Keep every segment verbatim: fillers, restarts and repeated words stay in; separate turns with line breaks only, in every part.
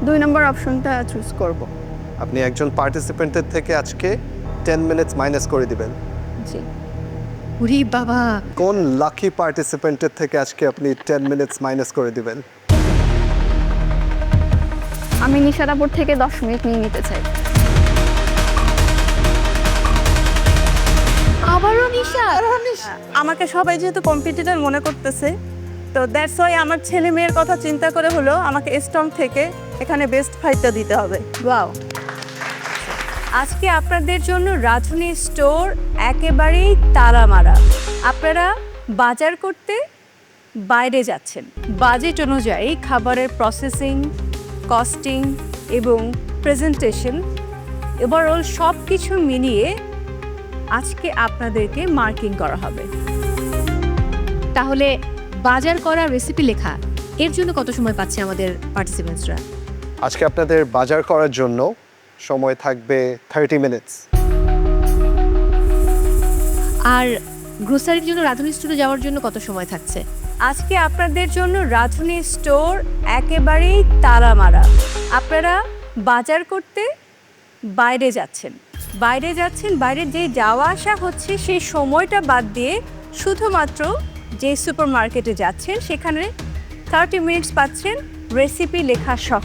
দুই নম্বর অপশনটা চুজ করব।
আপনি একজন পার্টিসিপেন্টের থেকে আজকে টেন মিনিটস মাইনাস করে দিবেন।
জি।
উরি বাবা,
কোন লাকি পার্টিসিপেন্টের থেকে আজকে আপনি টেন মিনিটস মাইনাস করে দিবেন?
আমি নিশারাপুর থেকে দশ মিনিট নিয়ে নিতে চাই।
আবারও নিশা।
আমাকে সবাই যেহেতু কম্পিটিটর মনে করতেছে, তো দ্যাটস ওয়াই আমার ছেলে মেয়ের কথা চিন্তা করে হলো আমাকে স্ট্রং থেকে এখানে বেস্ট ফাইটটা দিতে হবে।
ওয়াও,
আজকে আপনাদের জন্য রাঁধুনি স্টোর একেবারেই তালা মারা। আপনারা বাজার করতে বাইরে যাচ্ছেন। বাজেট অনুযায়ী খাবারের প্রসেসিং, কস্টিং এবং প্রেজেন্টেশন, ওভারঅল সব কিছু মিলিয়ে আজকে আপনাদেরকে মার্কিং করা হবে।
তাহলে বাজার করা, রেসিপি লেখা, এর জন্য কত সময় পাচ্ছে আমাদের পার্টিসিপেন্টসরা?
আজকে আপনাদের বাজার করার জন্য সময় থাকবে থার্টি মিনিটস।
আর গ্রোসারির জন্য রাঁধুনি স্টোরে যাওয়ার জন্য কত সময় থাকছে?
আজকে আপনাদের জন্য রাঁধুনি স্টোর একেবারেই তালা মারা। আপনারা বাজার করতে বাইরে যাচ্ছেন। বাইরে যাচ্ছেন, বাইরে যে যাওয়া আসা হচ্ছে সেই সময়টা বাদ দিয়ে শুধুমাত্র যে সুপার মার্কেটে যাচ্ছেন সেখানে থার্টি মিনিটস পাচ্ছেন রেসিপি লেখা সহ।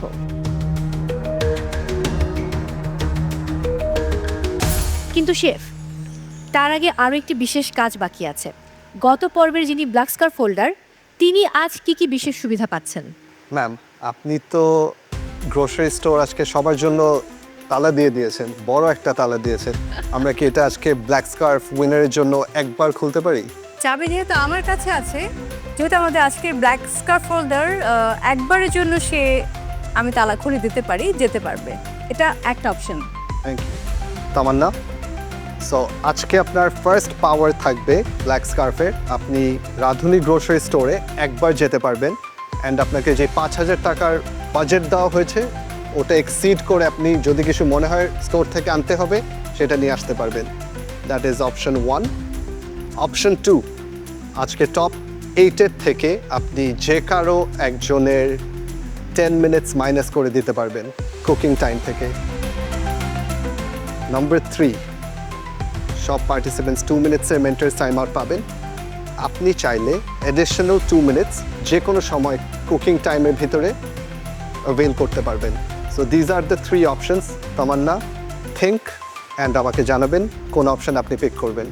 কিন্তু শেফ, তার আগে আরও একটি বিশেষ কাজ বাকি আছে। গত পর্বের যিনি ব্ল্যাক স্কার্ফ হোল্ডার, তিনি আজ কি কি বিশেষ সুবিধা পাচ্ছেন?
ম্যাম, আপনি তো গ্রোসারি স্টোর আজকে সবার জন্য তালা দিয়ে দিয়েছেন, বড় একটা তালা দিয়েছেন। আমরা কি এটা আজকে ব্ল্যাক স্কার্ফ উইনারের জন্য একবার খুলতে পারি?
চাবি যেহেতু আমার কাছে আছে, যেহেতু আমাদের আজকের ব্ল্যাক স্কার্ফ হোল্ডার, একবারের জন্য সে আমি তালা খুলে দিতে পারি, যেতে পারবে। এটা একটা option.
Thank you Tamanna. So আজকে আপনার ফার্স্ট পাওয়ার থাকবে ব্ল্যাক স্কার্ফের। আপনি রাঁধুনি গ্রোসারি স্টোরে একবার যেতে পারবেন, অ্যান্ড আপনাকে যে পাঁচ হাজার টাকার বাজেট দেওয়া হয়েছে ওটা এক্সিড করে আপনি যদি কিছু মনে হয় স্টোর থেকে আনতে হবে সেটা নিয়ে আসতে পারবেন। That is option one. Option two, আজকে টপ এইটের থেকে আপনি যে কারো একজনের টেন মিনিটস মাইনাস করে দিতে পারবেন কুকিং টাইম থেকে। নাম্বার থ্রি, সব পার্টিসিপেন্টস টু মিনিটসের মেন্টার্স টাইম আউট পাবেন। আপনি চাইলে অ্যাডিশনাল টু মিনিটস যে কোনো সময় কুকিং টাইমের ভিতরে অ্যাভেল করতে পারবেন। So these are the three options. Tamanna, think and আমাকে জানাবেন কোন অপশন আপনি পিক করবেন।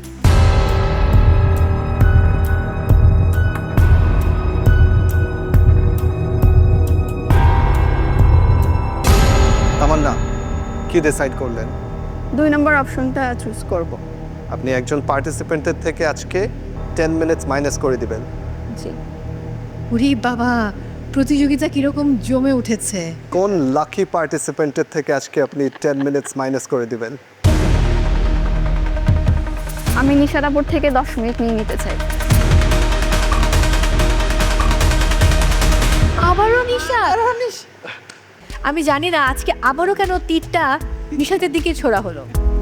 তামান্না, কি ডিসাইড করলেন?
দুই নম্বর অপশনটা চুজ করব।
আপনি একজন পার্টিসিপেন্টের থেকে আজকে টেন মিনিটস মাইনাস করে দিবেন।
জি।
উরি বাবা, প্রতিযোগিতা কিরকম জমে উঠেছে।
কোন লাকি পার্টিসিপেন্টের থেকে আজকে আপনি টেন মিনিটস মাইনাস করে দিবেন?
আমি নিশারাপুর থেকে দশ মিনিট নিয়ে নিতে চাই।
আবারও নিশা। আমি জানি না আজকে আবারও কেন তীরটা নিশাতের দিকে ছোড়া হলো।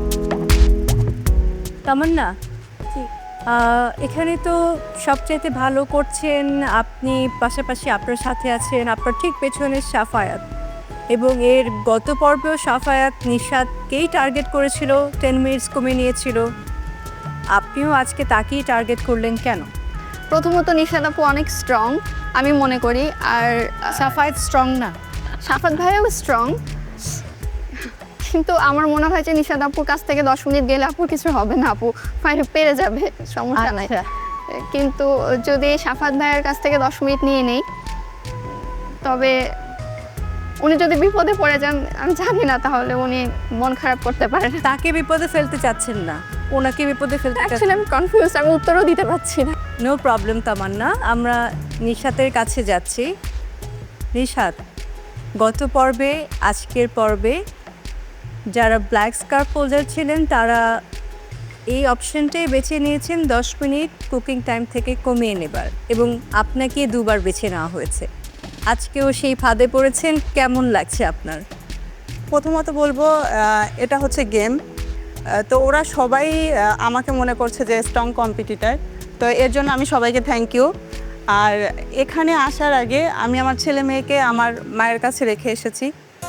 তামান্না, আহ, এখানে তো সবচাইতে ভালো করছেন আপনি, পাশাপাশি আপনার সাথে আছেন আপনার ঠিক পেছনে সাফায়াত, এবং এর গত পর্বেও সাফায়াত নিশাতকেই টার্গেট করেছিল, টেন মিনিটস কমে নিয়েছিল। আপনিও আজকে তাকেই টার্গেট করলেন কেন?
প্রথমত নিশারাপু অনেক স্ট্রং আমি মনে করি, আর
সাফায়াত স্ট্রং না।
সাফাত ভাইও স্ট্রং, কিন্তু আমার মনে হয় যে নিশাদ আপুর কাছ থেকে দশ মিনিট গেলে আপুর কিছু হবে না, আপু ফাইটে পেরে যাবে, সমস্যা নাই। কিন্তু যদি সাফাত ভাইয়ের কাছ থেকে দশ মিনিট নিয়ে নেই, তবে উনি যদি বিপদে পড়ে যান আমি জানি না, তাহলে উনি মন খারাপ করতে পারেন।
তাকে বিপদে ফেলতে চাচ্ছেন না, ওনাকে বিপদে ফেলতে
অ্যাকচুয়ালি আমি কনফিউজ, আমি উত্তরও দিতে পারছি না।
নো প্রবলেম তামান্না, আমরা নিশাতের কাছে যাচ্ছি। নিশাত, গত পর্বে আজকের পর্বে যারা ব্ল্যাক স্কার্ফ হোল্ডার ছিলেন তারা এই অপশনটাই বেছে নিয়েছেন দশ মিনিট কুকিং টাইম থেকে কমিয়ে নেবার, এবং আপনাকে দুবার বেছে নেওয়া হয়েছে। আজকেও সেই ফাঁদে পড়েছেন, কেমন লাগছে আপনার?
প্রথমত বলবো এটা হচ্ছে গেম, তো ওরা সবাই আমাকে মনে করছে যে স্ট্রং কম্পিটিটার, তো এর জন্য আমি সবাইকে থ্যাংক ইউ। আর এখানে আসার আগে আমি আমার ছেলে মেয়েকে আমার মায়ের কাছে রেখে এসেছি,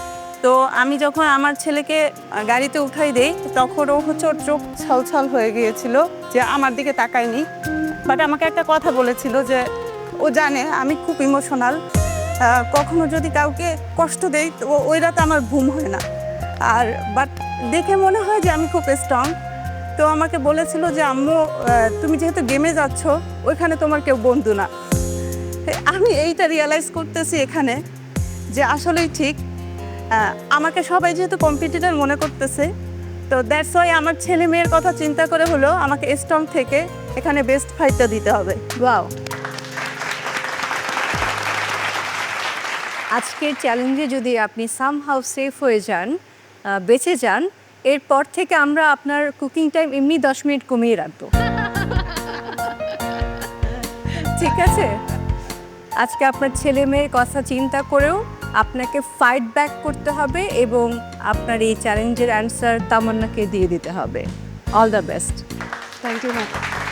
তো আমি যখন আমার ছেলেকে আহ, গাড়িতে উঠাই দেই তখন ও হচ্ছে ওর চোখ ছলছল হয়ে গিয়েছিল যে আমার দিকে তাকায়নি, বাট আমাকে একটা কথা বলেছিল যে ও জানে আমি খুব ইমোশনাল, কখনো যদি কাউকে কষ্ট দেই তো ও- ওই রাতে আমার ঘুম হয় না। আর বাট দেখে মনে হয় যে আমি খুব স্ট্রং। তো আমাকে বলেছিল যে আম্মু আহ, তুমি যেহেতু গেমে যাচ্ছ ওইখানে তোমার কেউ বন্ধু না। আমি এইটা রিয়েলাইজ করতেছি এখানে যে আসলেই ঠিক, আহ, আমাকে সবাই যেহেতু কম্পিটিটর মনে করতেছে, তো দ্যাটস ওয়াই আমার ছেলে মেয়ের কথা চিন্তা করে হলো আমাকে স্ট্রং থেকে এখানে বেস্ট ফাইটটা দিতে হবে।
ওয়াও, আজকের চ্যালেঞ্জে যদি আপনি সামহাউ সেফ হয়ে যান, আহ, বেঁচে যান, এরপর থেকে আমরা আপনার কুকিং টাইম এমনি দশ মিনিট কমিয়ে রাখবো। ঠিক আছে? আজকে আপনার ছেলে মেয়ের কথা চিন্তা করেও আপনাকে ফাইট ব্যাক করতে হবে এবং আপনার এই চ্যালেঞ্জের অ্যান্সার তামান্নাকে দিয়ে দিতে হবে। All the best.
Thank you ma'am.